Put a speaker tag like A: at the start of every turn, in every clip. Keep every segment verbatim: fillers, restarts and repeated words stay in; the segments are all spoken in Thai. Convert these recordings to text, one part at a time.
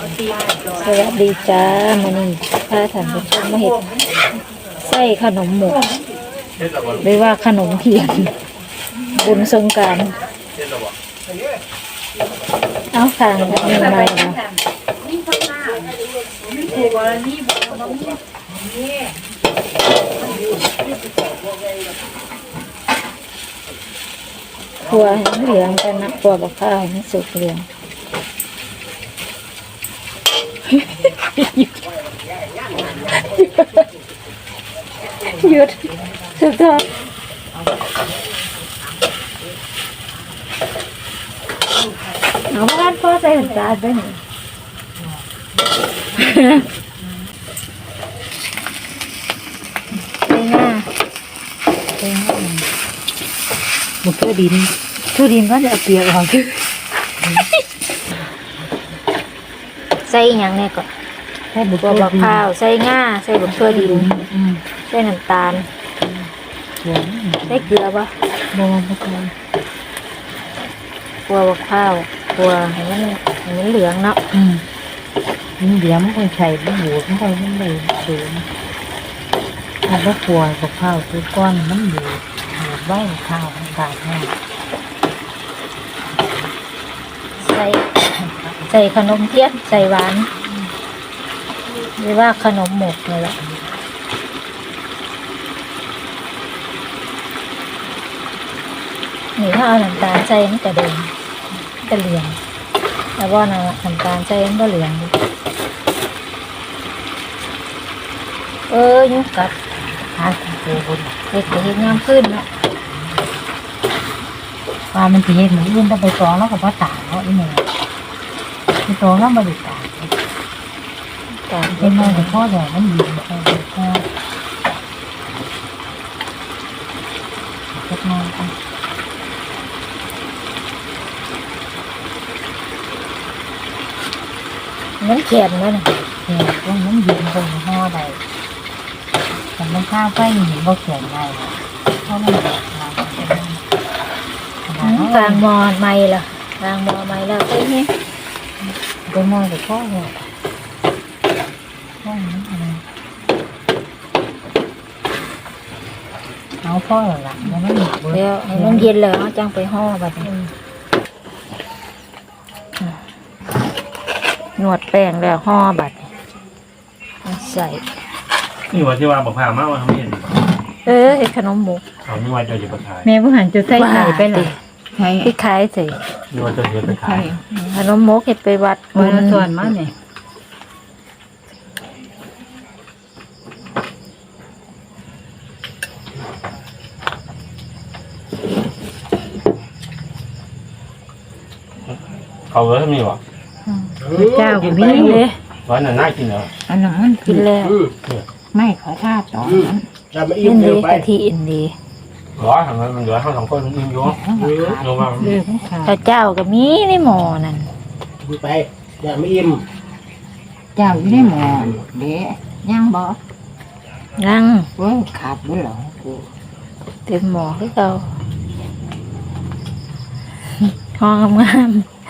A: สวัสดีจ้ามื้อนี้พาท่านผู้ชมมาเฮ็ดไส้ขนมหมกหรือว่าขนมเทียนบุญสงกรานต์เอาทางแบบนี้มาแล้วคั่วให้เหลืองกันนะคั่วบักข้าวให้สุกเหลืองหยุดสุดท้ายเอาบ้านพ่อใส่หันตาไปหนิใส่หน้าใส่หน้ามันทั่วดินทั่วดินก็จะเอาเปียกออกคือใส่อย่างนี้ก่อนใส่บุกบักข้าวใส่ง่าใส่บุกทั่วดินใส่น้ำตาลใส่เกลือปะบวบกบัวบักข้าวบัวให้มันให้มันเหลืองเนาะอืมมันเหลืองมันคงใส่มันบูดมันคงมันเลยสูงถ้าบักบัวบักข้าวคือก้อนมันบูดบูดไว้ข้าวมันขาดแน่ใส่ใส่ขนมเทียนใส่หวานหรือว่าขนมหมกเลยแหละนี่ถ้าเอาน้ำตาลใส่มันจะแดงจะเหลืองแต่ว่าน้ำตาลใส่มันก็เหลืองเออยุกกัดหาเด็กเด็กเห็นงามขึ้นเนาะปลามันจะเห็นเหมือนอื่นถ้าไปตองแล้วก็พอตากเนาะอีเมลไปตองแล้วมาดูตากตากเป็นไงแต่พ่อใหญ่มันยืนไปพ่อเล็กน้อยกันมันเขียนเลยนะเขียนตรงนั้นยืนตรงห่อใดแต่มันข้าวไปเห็นว่าเขียนได้เพราะมันแบบเรากลางมอไม่ล่ะกลางมอไม่แล้วไปเนี่ยไปมอแต่พ่อเนี่ยพ่อนี่อะไรเอาพ่อหรอล่ะมันไม่หยุดเดี๋ยวให้มันเย็นเลยเอาจังไปห่อแบบนี้นวดแป้งแล้วห่อบัดใส่
B: นี่ว่าที่ว่าบอกพามากว่าเขาไม่เห็น
A: เออไอ้ขนมหมู
B: เขาไม่ว่าจะอยู่ประทาย
C: แม่ผู้หันจะใส่ไข่ไปเลย
A: ไข่ที่ขายใส่
B: นี่ว่าจะเห็นไปขาย
A: ขนมหมูเห็ดไปวัด
C: บุญส่วนมากเนี่ย
B: เขาเลยมีวะ
C: เจ้าก็มีเลย
B: ร้านนั้นน่ากินเหรอ
C: อันนั้น
A: กินแล้ว
C: ไม่ขอท่าต่อนั้น
A: อินดีกะทิอินดี
B: ร้อยทางนั้นมันเหลือห้าสองคนยิงอยู่ลงมา
A: ข้าเจ้าก็มีในหม้อนั่น
D: ไปอย่าไม่อิ่ม
C: เจ้าอยู่ในหม้อเดี๋ยวย่างบ่
A: ย่าง
C: เว้ยขาดด้วยเหรอ
A: เต็มหม้อคือเก่าห้องงาม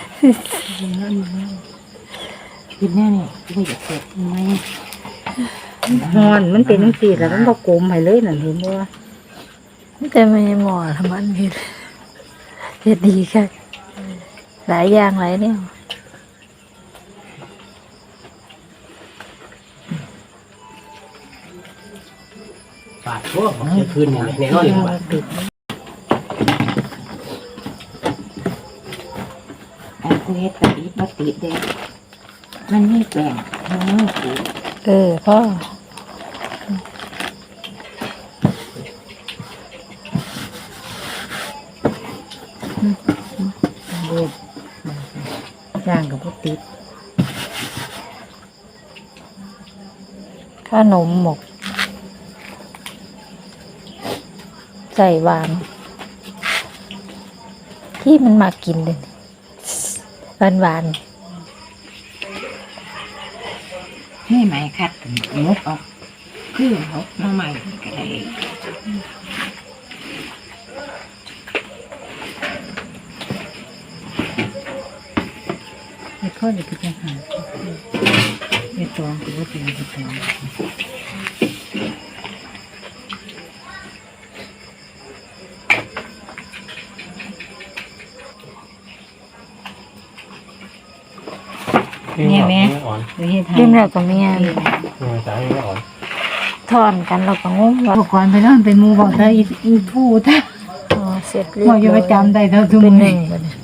C: กินแน่นี่ไม่อยากเสร็จไหมฮอนมันเป็นน้ำสีแล้วมันก็โกมไปเลยนั่นเห็นบ่
A: ไม่แต่ไม่หม้อทำมันเห็ดเห็ดดีค่ะหลายอย่างหลายเนี่ย
D: ปาดพวกจะคืนอย่างในนอนเลยว่า
C: ไอ้กูเฮ็ดแต่อีบัติเด็กมันนี่แปลงมันนี่กู
A: เออพ่อ
C: เด็ดย่างกับพวกติด
A: ขนมหมกใส่หวานที่มันมากินเลยหวานหวาน
C: นี่ไหมคัดงกออกคือเขามาใหม่ก็ได้คเขาจะพิจารณาเฮ็ดตองคือว่าเป็นเฮ็ดตอง
B: อ่อน
C: หรือเฮ็ดให้
A: ยิ้มแล้วก็เมีย
B: เออจ่ายไม่อ่อน
A: ถอนกันเราก็งงว่า
C: อุปกรณ์ไปนอนเป็นหมู่บอกถ้าอีอีผู้ถ้า
A: อ๋อเสร็จเรียบ
C: บ่
A: ร้อย
C: อยู่ประจำได้เท่าทุก
A: เป็นห
C: มื้
A: นึ่
C: อง
A: บัดนี้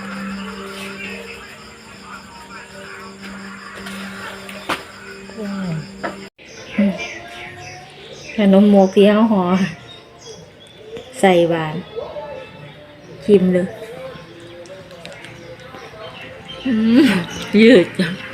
A: ขนมหมกที่เฮาห่อใส่หวานชิมเลยอืมยืดจัง